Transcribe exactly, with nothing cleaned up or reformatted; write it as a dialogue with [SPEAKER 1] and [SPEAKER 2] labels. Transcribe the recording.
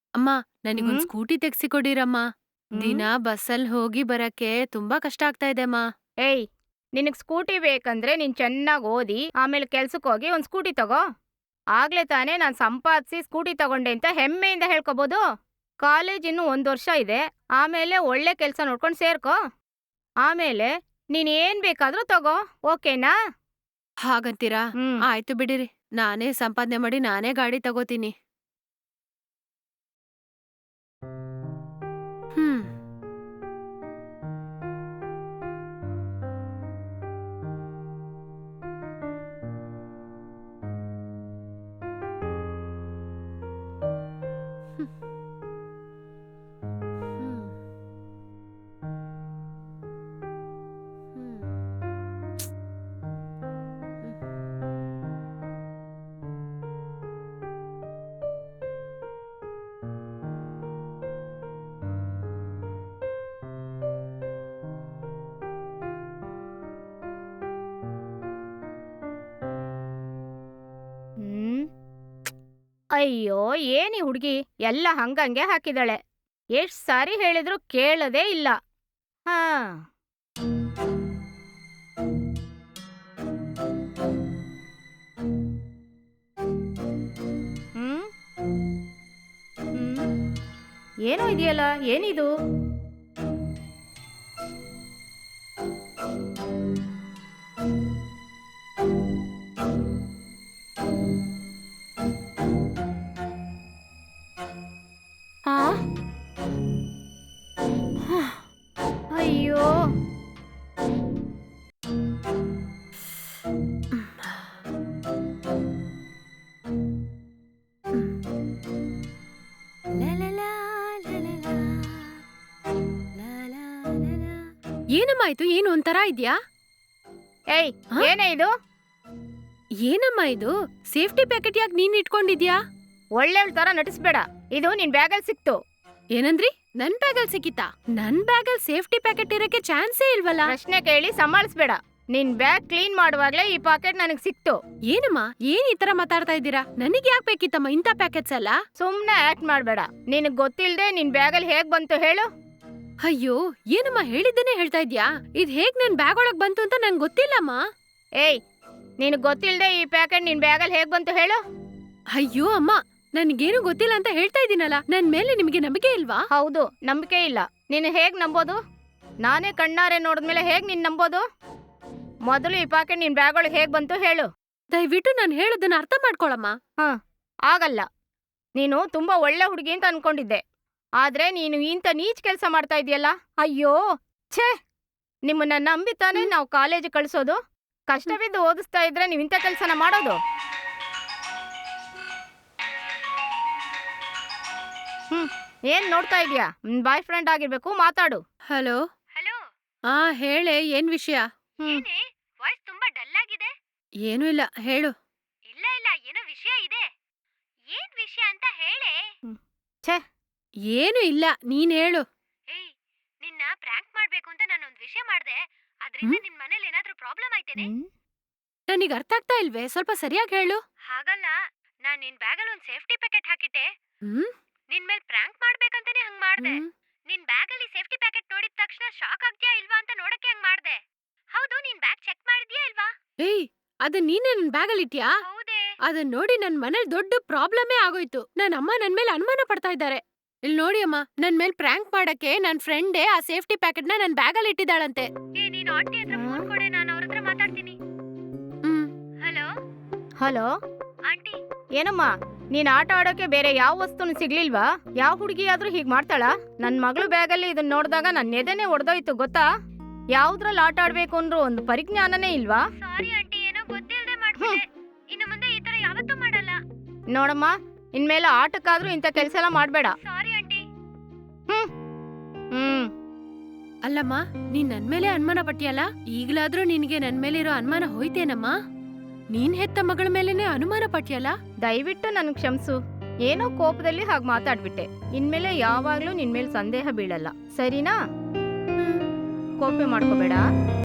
[SPEAKER 1] ಅಮ್ಮ, ನನಗೊಂದ್
[SPEAKER 2] ಹ್ಮ್
[SPEAKER 1] ಸ್ಕೂಟಿ ತೆಗ್ಸಿಕೊಡಿರಮ್ಮ.
[SPEAKER 2] ಹ್ಮ್
[SPEAKER 1] ದಿನ ಬಸ್ಸಲ್ ಹೋಗಿ ಬರಕ್ಕೆ ತುಂಬಾ ಕಷ್ಟ ಆಗ್ತಾ ಇದೆ ಅಮ್ಮ.
[SPEAKER 2] ಏಯ್, ನಿನಗ್ ಸ್ಕೂಟಿ ಬೇಕಂದ್ರೆ ನೀನ್ ಚೆನ್ನಾಗಿ ಓದಿ ಆಮೇಲೆ ಕೆಲ್ಸಕ್ಕೆ ಹೋಗಿ ಒಂದ್ ಸ್ಕೂಟಿ ತಗೋ. ಆಗ್ಲೇ ತಾನೇ ನಾನ್ ಸಂಪಾದಿಸಿ ಸ್ಕೂಟಿ ತಗೊಂಡೆ ಅಂತ ಹೆಮ್ಮೆಯಿಂದ ಹೇಳ್ಕೊಬೋದು. ಕಾಲೇಜ್ ಇನ್ನು ಒಂದ್ ವರ್ಷ ಇದೆ, ಆಮೇಲೆ ಒಳ್ಳೆ ಕೆಲ್ಸ ನೋಡ್ಕೊಂಡು ಸೇರ್ಕೋ. ಆಮೇಲೆ ನೀನ್ ಏನ್ ಬೇಕಾದ್ರೂ ತಗೋ, ಓಕೆನಾ?
[SPEAKER 1] ಹಾಗಂತೀರಾ?
[SPEAKER 2] ಹ್ಮ್
[SPEAKER 1] ಆಯ್ತು ಬಿಡಿರಿ. ನಾನೇ ಸಂಪಾದನೆ ಮಾಡಿ ನಾನೇ ಗಾಡಿ ತಗೋತೀನಿ. ಹ್ಮ್. ಹ್ಮ್. ಹ್ಮ್. ಹ್ಮ್. ಹ್ಮ್.
[SPEAKER 2] ಹ್ಮ್ ಅಯ್ಯೋ, ಏನಿ ಹುಡ್ಗಿ ಎಲ್ಲ ಹಂಗಂಗೆ ಹಾಕಿದಾಳೆ. ಎಷ್ಟ್ ಸಾರಿ ಹೇಳಿದ್ರು ಕೇಳದೇ ಇಲ್ಲ. ಹಾ ಹ್ಮ್ ಹ್ಮ್ ಏನೋ ಇದೆಯಲ್ಲ, ಏನಿದು? ಆ ಅಯ್ಯೋ,
[SPEAKER 1] ಲಲಲಾ, ಲಲಲಾ, ಲಾಲಾ, ಲಲಾ. ಏನಮ್ಮ ಇದು? ಏನು ಒಂಥರ ಇದ್ಯಾ?
[SPEAKER 2] ಏಯ್,
[SPEAKER 1] ಹ?
[SPEAKER 2] ಏನೇ ಇದು?
[SPEAKER 1] ಏನಮ್ಮ ಇದು? ಸೇಫ್ಟಿ ಪ್ಯಾಕೆಟ್ ಯಾಕೆ ನೀನ್ ಇಟ್ಕೊಂಡಿದ್ಯಾ?
[SPEAKER 2] ಒಳ್ಳೆಯವಳ ತರ ನಟಿಸ್ಬೇಡ. ಇದು ನಿನ್ ಬ್ಯಾಗಲ್ಲಿ ಸಿಕ್ತು.
[SPEAKER 1] ಏನಂದ್ರಿ? ನನ್ ಬ್ಯಾಗಲ್ ಸಿಕ್ಕಿತಾ? ನನ್ ಬ್ಯಾಗಲ್ ಸೇಫ್ಟಿ ಪ್ಯಾಕೆಟ್ ಇರಕ್ಕೆ ಚಾನ್ಸೇ ಇಲ್ವಲ್ಲ.
[SPEAKER 2] ಪ್ರಶ್ನೆ ಕೇಳಿ ಸಂಭಾಳಿಸ್ಬೇಡ. ನಿನ್ ಬ್ಯಾಗ್ ಕ್ಲೀನ್ ಮಾಡುವಾಗ್ಲೇ ಈ ಪಾಕೆಟ್ ನನಗ್ ಸಿಕ್ತು.
[SPEAKER 1] ಏನಮ್ಮ, ಏನ್ ಈ ತರ ಮಾತಾಡ್ತಾ ಇದ್ದೀರಾ? ನನಗ್ ಯಾಕೆ ಬೇಕಿತ್ತಮ್ಮ ಇಂಥ ಪ್ಯಾಕೆಟ್ಸ್ ಎಲ್ಲ?
[SPEAKER 2] ಸುಮ್ನೆ ಆಕ್ಟ್ ಮಾಡ್ಬೇಡ. ನಿನಗ್ ಗೊತ್ತಿಲ್ದೆ ನಿನ್ ಬ್ಯಾಗಲ್ಲಿ ಹೇಗ್ ಬಂತು ಹೇಳು?
[SPEAKER 1] ಅಯ್ಯೋ, ಏನಮ್ಮ ಹೇಳಿದ್ದೇನೆ ಹೇಳ್ತಾ ಇದ್ಯಾ? ಇದ್ ಹೇಗ್ ನನ್ ಬ್ಯಾಗ್ ಒಳಗ್ ಬಂತು ಅಂತ ನಂಗೆ ಗೊತ್ತಿಲ್ಲಮ್ಮ.
[SPEAKER 2] ಏಯ್, ನಿನಗ್ ಗೊತ್ತಿಲ್ದೆ ಈ ಪ್ಯಾಕೆಟ್ ನಿನ್ ಬ್ಯಾಗಲ್ಲಿ ಹೇಗ್ ಬಂತು ಹೇಳು?
[SPEAKER 1] ಅಯ್ಯೋ ಅಮ್ಮ, ನನ್ಗೇನು ಗೊತ್ತಿಲ್ಲ ಅಂತ ಹೇಳ್ತಾ ಇದ್ದೀನಲ್ಲ. ನನ್ ಮೇಲೆ ನಿಮಗೆ ನಂಬಿಕೆ ಇಲ್ವಾ?
[SPEAKER 2] ಹೌದು, ನಂಬಿಕೆ ಇಲ್ಲ. ನೀನು ಹೇಗ್ ನಂಬೋದು? ನಾನೇ ಕಣ್ಣಾರೆ ನೋಡಿದ್ಮೇಲೆ ಹೇಗ್ ನೀನ್ ನಂಬೋದು? ಮೊದಲು ಈ ಪ್ಯಾಕೆಟ್ ನಿನ್ ಬ್ಯಾಗ್ ಒಳಗೆ ಹೇಗ್ ಬಂತು ಹೇಳು?
[SPEAKER 1] ದಯವಿಟ್ಟು ನಾನು ಹೇಳೋದನ್ನ ಅರ್ಥ ಮಾಡ್ಕೊಳಮ್ಮ.
[SPEAKER 2] ಹ ಆಗಲ್ಲ. ನೀನು ತುಂಬಾ ಒಳ್ಳೆ ಹುಡುಗಿ ಅಂತ ಅನ್ಕೊಂಡಿದ್ದೆ, ಆದ್ರೆ ನೀನು ಇಂಥ ನೀಚ್ ಕೆಲಸ ಮಾಡ್ತಾ ಇದೆಯಲ್ಲ. ಅಯ್ಯೋ, ಛೇ! ನಿಮ್ಮನ್ನ ನಂಬಿತಾನೆ
[SPEAKER 1] ಹ್ಮ್.
[SPEAKER 2] ನಾವು ಕಾಲೇಜ್ ಕಳ್ಸೋದು.
[SPEAKER 1] ಹ್ಮ್.
[SPEAKER 2] ಕಷ್ಟವಿದ್ದು ಓದಿಸ್ತಾ ಇದ್ರೆ ನೀವು ಇಂಥ ಕೆಲಸನ ಮಾಡೋದು? ಹ್ಮ್ ಏನ್ ನೋಡ್ತಾ ಇದೀಯಾ? ಬಾಯ್ ಫ್ರೆಂಡ್ ಆಗಿರ್ಬೇಕು, ಮಾತಾಡು.
[SPEAKER 1] ಹಲೋ.
[SPEAKER 2] ಹಲೋ.
[SPEAKER 1] ಆ ಹೇಳೆ, ಏನ್ ವಿಷಯ?
[SPEAKER 2] ಹ್ಮ್ ಏನೇ ವಾಯ್ಸ್ ತುಂಬಾ ಡಲ್ ಆಗಿದೆ?
[SPEAKER 1] ಏನೂ ಇಲ್ಲ, ಹೇಳು.
[SPEAKER 2] ಇಲ್ಲ ಇಲ್ಲ, ಏನೋ ವಿಷಯ ಇದೆ. ಏನ್ ವಿಷಯ ಅಂತ ಹೇಳೇ? ಹ್ಮ್ ಛೇ,
[SPEAKER 1] ಏನು ಇಲ್ಲ, ನೀನ್ ಹೇಳು.
[SPEAKER 2] ಏಯ್, ನಿನ್ನ ಪ್ರ್ಯಾಂಕ್ ಮಾಡ್ಬೇಕು ಅಂತ ನಾನೊಂದ್ ವಿಷಯ ಮಾಡ್ದೆ. ಅದ್ರಿಂದ
[SPEAKER 1] ಹ್ಮ್.
[SPEAKER 2] ನಿನ್ ಮನೇಲಿ ಏನಾದ್ರೂ ಪ್ರಾಬ್ಲಮ್ ಆಯ್ತೇನೆ?
[SPEAKER 1] ನನಗ್ ಅರ್ಥ ಆಗ್ತಾ ಇಲ್ವೇ? ಸ್ವಲ್ಪ ಸರಿಯಾಗಿ ಹೇಳು.
[SPEAKER 2] ಹಾಗಲ್ಲ, ನಾನ್ ನಿನ್ ಬ್ಯಾಗಲ್ಲಿ ಒಂದ್ ಸೇಫ್ಟಿ ಪ್ಯಾಕೆಟ್ ಹಾಕಿಟ್ಟೆ.
[SPEAKER 1] ಹ್ಮ್.
[SPEAKER 2] ನಿನ್ ಮೇಲ್ ಪ್ರ್ಯಾಂಕ್ ಮಾಡ್ಬೇಕಂತಾನೆ ಹಂಗ್ ಮಾಡ್ದೆ.
[SPEAKER 1] ಹ್ಮ್.
[SPEAKER 2] ನಿನ್ ಬ್ಯಾಗಲ್ಲಿ ಸೇಫ್ಟಿ ಪ್ಯಾಕೆಟ್ ನೋಡಿದ ತಕ್ಷಣ ಶಾಕ್ ಆಗ್ತೀಯಾ ಇಲ್ವಾ ಅಂತ ನೋಡಕ್ಕೆ ಹಂಗ್ ಮಾಡ್ದೆ. ಹೌದು, ನಿನ್ ಬ್ಯಾಗ್ ಚೆಕ್ ಮಾಡಿದ್ಯಾ ಇಲ್ವಾ?
[SPEAKER 1] ಏಯ್, ಅದನ್ ನೀನೇ ನನ್ ಬ್ಯಾಗಲ್ಲಿ ಇಟ್ಯಾ?
[SPEAKER 2] ಹೌದೇ?
[SPEAKER 1] ಅದನ್ ನೋಡಿ ನನ್ ಮನೇಲಿ ದೊಡ್ಡ ಪ್ರಾಬ್ಲಮೇ ಆಗೋಯ್ತು. ನನ್ ಅಮ್ಮ ನನ್ ಮೇಲೆ ಅನುಮಾನ ಪಡ್ತಾ ಇದ್ದಾರೆ. ಇಲ್ ನೋಡಿ ಅಮ್ಮ, ನನ್ ಮೇಲ್ ಪ್ರ್ಯಾಂಕ್ ಮಾಡಕ್ಕೆ ನನ್ ಫ್ರೆಂಡೇ ಆ ಸೇಫ್ಟಿ ಪ್ಯಾಕೆಟ್ ನ ನನ್ ಬ್ಯಾಗಲ್ಲಿ ಇಟ್ಟಿದ್ದಾಳಂತೆ.
[SPEAKER 2] ಏ, ನೀನ್ ಆಂಟಿ ಹತ್ರ ಫೋನ್ ಕೊಡೆ, ನಾನು ಅವ್ರ ಹತ್ರ ಮಾತಾಡ್ತೀನಿ.
[SPEAKER 1] ಹ್ಮ್.
[SPEAKER 2] Hello hello aunty. ಏನಮ್ಮ, ನೀನ್ ಆಟ ಆಡೋಕೆ ಬೇರೆ ಯಾವ ವಸ್ತುನು ಸಿಗ್ಲಿಲ್ವಾ? ಯಾವ ಹುಡುಗಿಯಾದ್ರೂ ಹೀಗ್ ಮಾಡ್ತಾಳ? ನನ್ ಮಗಳು ಬ್ಯಾಗಲ್ಲಿ ಇದನ್ನ ನೋಡಿದಾಗ ನನ್ನ ಎದೆನೆ ಒಡೆದೋಯ್ತು ಗೊತ್ತಾ? ಯಾವ್ದ್ರಲ್ಲಿ ಆಟ ಆಡ್ಬೇಕು ಅಂದ್ರೂ ಒಂದು ಪರಿಜ್ಞಾನನೇ ಇಲ್ವಾ? ಸಾರಿ ಆಂಟಿ, ಏನೋ ಗೊತ್ತಿಲ್ಲದೆ ಮಾಡ್ಬಿಟ್ಟೆ. ಇನ್ನು ಮುಂದೆ ಈ ತರ ಯಾವತ್ತೂ ಮಾಡಲ್ಲ. ನೋಡಮ್ಮ, ಇನ್ಮೇಲೆ ಆಟಕ್ಕಾದ್ರೂ ಇಂಥ ಕೆಲಸ ಎಲ್ಲ ಮಾಡ್ಬೇಡ. Sorry aunty. ಹ್ಮ್ ಹ್ಮ್
[SPEAKER 1] ಅಲ್ಲಮ್ಮ, ನೀನ್ ನನ್ ಮೇಲೆ ಅನುಮಾನ ಪಟ್ಟಿಯಲ್ಲ, ಈಗ್ಲಾದ್ರೂ ನಿನ್ಗೆ ನನ್ ಮೇಲೆ ಇರೋ ಅನುಮಾನ ಹೋಯ್ತೇನಮ್ಮ? ನೀನ್ ಹೆತ್ತ ಮಗಳ ಮೇಲೆನೆ ಅನುಮಾನ ಪಟ್ಟಿಯಲ್ಲ.
[SPEAKER 2] ದಯವಿಟ್ಟು ನನ್ ಕ್ಷಮಿಸು. ಏನೋ ಕೋಪದಲ್ಲಿ ಹಾಗೆ ಮಾತಾಡ್ಬಿಟ್ಟೆ. ಇನ್ಮೇಲೆ ಯಾವಾಗ್ಲೂ ನಿನ್ ಮೇಲೆ ಸಂದೇಹ ಬೀಳಲ್ಲ, ಸರಿನಾ?
[SPEAKER 1] ಹ್ಮ್.
[SPEAKER 2] ಕೋಪ ಮಾಡ್ಕೋಬೇಡ.